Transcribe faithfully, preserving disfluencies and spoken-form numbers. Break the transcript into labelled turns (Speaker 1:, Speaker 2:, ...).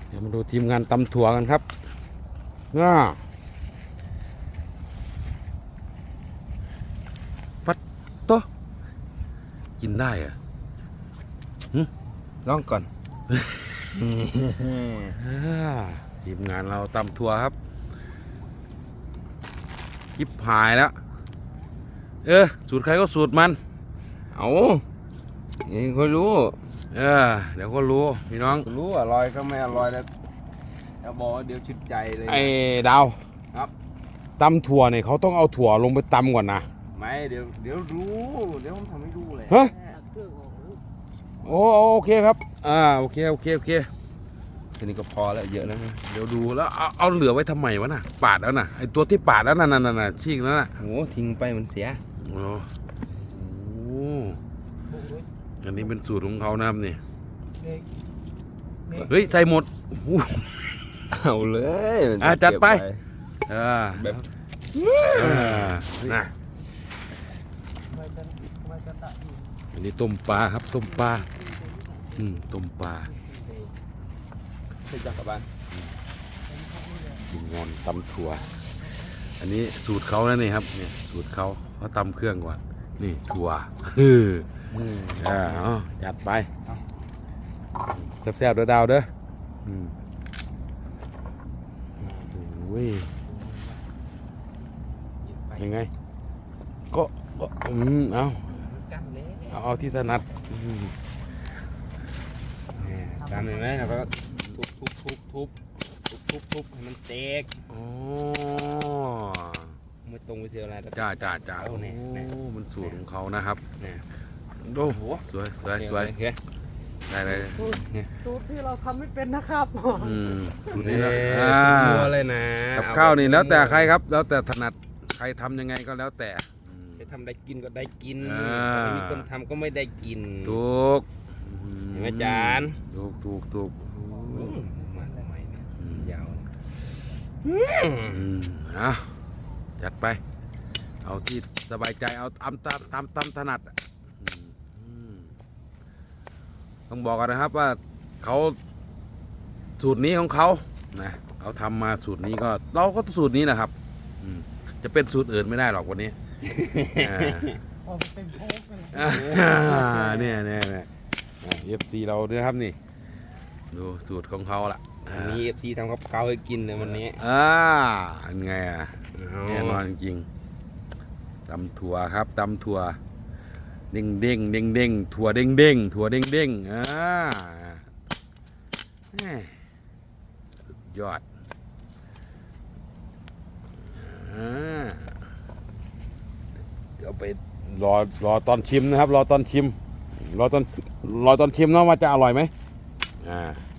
Speaker 1: เดี๋ยวมาดูทีมงานตำถั่วกันครับน่าปัดโตกินได้อะ
Speaker 2: ลองก่อน
Speaker 1: ทีมงานเราตำถั่วครับจิบหายแล้วเออสูตรใครก็สูตรมัน
Speaker 2: เอานี่ก็รู้
Speaker 1: เออเดี๋ยวก็รู้พี่น้อง
Speaker 2: รู้อร่อยก็ไม่อร่อยแล้วจะบอกเดี๋ยวชิดใจเลย
Speaker 1: ไอ้ดาว
Speaker 2: ครับ
Speaker 1: ตำถั่วเนี่ยเขาต้องเอาถั่วลงไปตำก่อนนะ
Speaker 2: ไม่เดี๋ยวเดี๋ยวรู้เดี๋ยวผมทำให้ดูเลย
Speaker 1: ฮะโอ้โอเคครับอ่าโอเคโอเคโอเค
Speaker 2: ทีนี้ก็พอแล้วเยอะแล้วนะ
Speaker 1: เดี๋ยวดูแล้วเอาเอาเหลือไว้ทำไมวะน่ะปาดแล้วน่ะไอ้ตัวที่ปาดแล้วน่ะน่ะน่ะชี้แล้วน่ะ
Speaker 2: โอ้ทิ้งไปมันเสีย
Speaker 1: โอ้โหอันนี้เป็นสูตรของเขานะครับนี่เฮ้ยใส่หมด
Speaker 2: เอาเลย
Speaker 1: อ่ะจัดไปอ่าแบบนะอันนี้ต้มปลาครับต้มปลาอืมต้มปลา
Speaker 2: ใส่จักรบาล
Speaker 1: กินงอนตำถั่วอันนี้สูตรเขาแล้วนี่ครับเนี่ยสูตรเขาเขาตำเครื่องก่อนนี่ถั่วคืออ่าจัดไปแซ่บๆเด้อดาวเด้อโอ้ยยังไงก็ก็อืมเอาเอาเอาที่ถนัด
Speaker 2: ตามเลยไหมแล้วก็ทุบทุบทุบทุบทุบทุบทุบให้มันเตก
Speaker 1: โอ้
Speaker 2: ไม่ตรงไปเสียอะไร
Speaker 1: จ้าจ้าจ้าโอ้มันสูตรของเขานะครับดูสวยสวยสวยได้เลย
Speaker 3: สูตรที่เราทำไม่เป็นนะครับ
Speaker 1: อืมสูตรนี้นะ
Speaker 2: สูตรเลยนะ
Speaker 1: กับข้าวนี่แล้วแต่ใครครับแล้วแต่ถนัดใครทำยังไงก็แล้วแต่
Speaker 2: จะทำได้กินก็ได้กินไม่มีคนทำก็ไม่ได้กิน
Speaker 1: ถูก
Speaker 2: เห็นไหมจาน
Speaker 1: ถูกถูกถูก
Speaker 2: มันใหม่ยาว
Speaker 1: อ่ะจัดไปเอาที่สบายใจเอาตามตามตามตามถนัดต้องบอกกันนะครับว่าเขาสูตรนี้ของเขานะเขาทำมาสูตรนี้ก็เราก็สูตรนี้นะครับจะเป็นสูตรอื่นไม่ได้หรอกวันนี้เนี่ยเนี่ยเนี่ยเอฟซีเราด้วยครับนี่ดูสูตรของเขาละ
Speaker 2: มีเอฟซีทำกับข้าวให้กินเลยวันนี้
Speaker 1: อ่าอันไงอ่ะแน่นอนจริงตำถั่วครับตำถั่วเด้งเด้งเด้งเด้งถั่วเด้งเด้งถั่วเด้งเด้งอ่าสุดยอดอ่าเดี๋ยวไปรอรอตอนชิมนะครับรอตอนชิมรอตอนรอตอนชิมเนาะว่าจะอร่อยไหมอ่า